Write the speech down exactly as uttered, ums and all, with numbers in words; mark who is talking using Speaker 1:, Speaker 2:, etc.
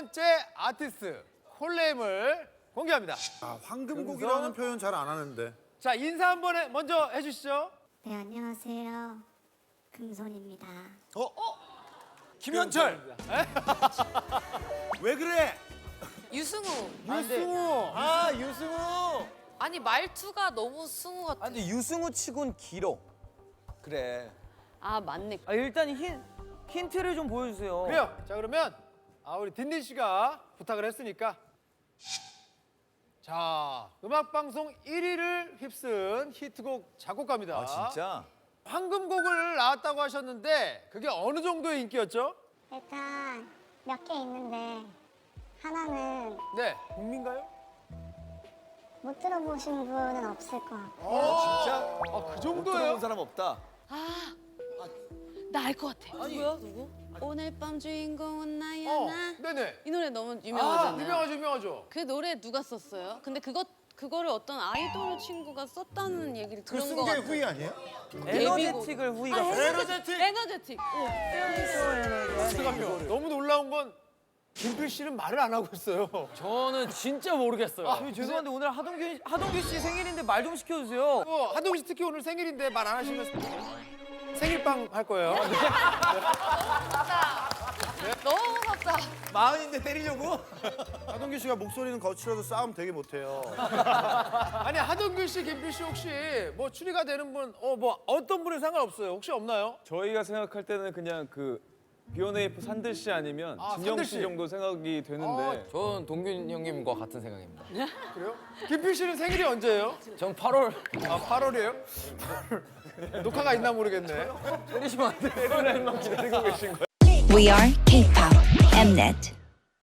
Speaker 1: 번째 아티스트 콜네임을 공개합니다.
Speaker 2: 아, 황금곡이라는 표현 잘 안 하는데.
Speaker 1: 자, 인사 한번 해, 먼저 해주시죠.
Speaker 3: 네, 안녕하세요. 금손입니다.
Speaker 2: 어? 김현철. 왜 그래?
Speaker 4: 유승우.
Speaker 1: 유승우. 아, 유승우.
Speaker 4: 아니 말투가 너무 승우 같아.
Speaker 5: 아니 유승우 치곤 길어. 그래.
Speaker 4: 아 맞네.
Speaker 5: 아 일단 힌 힌트를 좀 보여주세요.
Speaker 1: 그래요. 자, 그러면 아, 우리 딘딘 씨가 부탁을 했으니까. 자, 음악방송 일 위를 휩쓴 히트곡 작곡가입니다.
Speaker 5: 아 진짜?
Speaker 1: 황금곡을 나왔다고 하셨는데 그게 어느 정도의 인기였죠?
Speaker 3: 일단 몇 개 있는데 하나는
Speaker 1: 네, 국민가요?
Speaker 3: 못 들어보신 분은 없을 것 같고
Speaker 1: 아, 진짜? 아, 그
Speaker 5: 못
Speaker 1: 정도예요?
Speaker 5: 들어본 사람 없다.
Speaker 4: 나 알 것 같아. 누구야 누구? 오늘 밤 주인공은 나야
Speaker 1: 어,
Speaker 4: 나.
Speaker 1: 네네.
Speaker 4: 이 노래 너무
Speaker 1: 아,
Speaker 4: 유명하잖아요.
Speaker 1: 유명하죠, 유명하죠.
Speaker 4: 그 노래 누가 썼어요? 근데 그것 그거를 어떤 아이돌 친구가 썼다는 얘기를
Speaker 2: 그
Speaker 4: 들은
Speaker 2: 쓴
Speaker 4: 것
Speaker 2: 게
Speaker 4: 같아요.
Speaker 2: 후이 아니에요?
Speaker 5: 에너제틱을 후이가
Speaker 4: 아,
Speaker 5: 썼어요.
Speaker 1: 에너제틱.
Speaker 4: 에너제틱.
Speaker 1: 잠깐만요. 너무 놀라운 건 김필 씨는 말을 안 하고 있어요.
Speaker 5: 저는 진짜 모르겠어요. 아, 죄송한데 오늘 하동규 하동규 씨 생일인데 말 좀 시켜주세요.
Speaker 1: 어, 하동훈 씨 특히 오늘 생일인데 말 안 하시면 생일빵 할 거예요.
Speaker 4: 너무 무섭다.
Speaker 5: 마흔인데 때리려고?
Speaker 2: 하동규 씨가 목소리는 거칠어도 싸움 되게 못해요.
Speaker 1: 아니, 하동균 씨, 김필 씨 혹시 뭐 추리가 되는 분, 어, 뭐 어떤 분은 상관없어요. 혹시 없나요?
Speaker 6: 저희가 생각할 때는 그냥 그 비오네이프 산들 씨 아니면
Speaker 1: 아,
Speaker 6: 진영
Speaker 1: 산들
Speaker 6: 씨
Speaker 1: 씨.
Speaker 6: 정도 생각이 되는데
Speaker 7: 전 동균 형님과 같은 생각입니다.
Speaker 1: 그래요? 김필 씨는 생일이 언제예요?
Speaker 7: 전 팔월
Speaker 1: 아, 팔월이에요? 녹화가 있나 모르겠네.
Speaker 6: 때리시면 안 돼요.
Speaker 8: We are K-pop Mnet.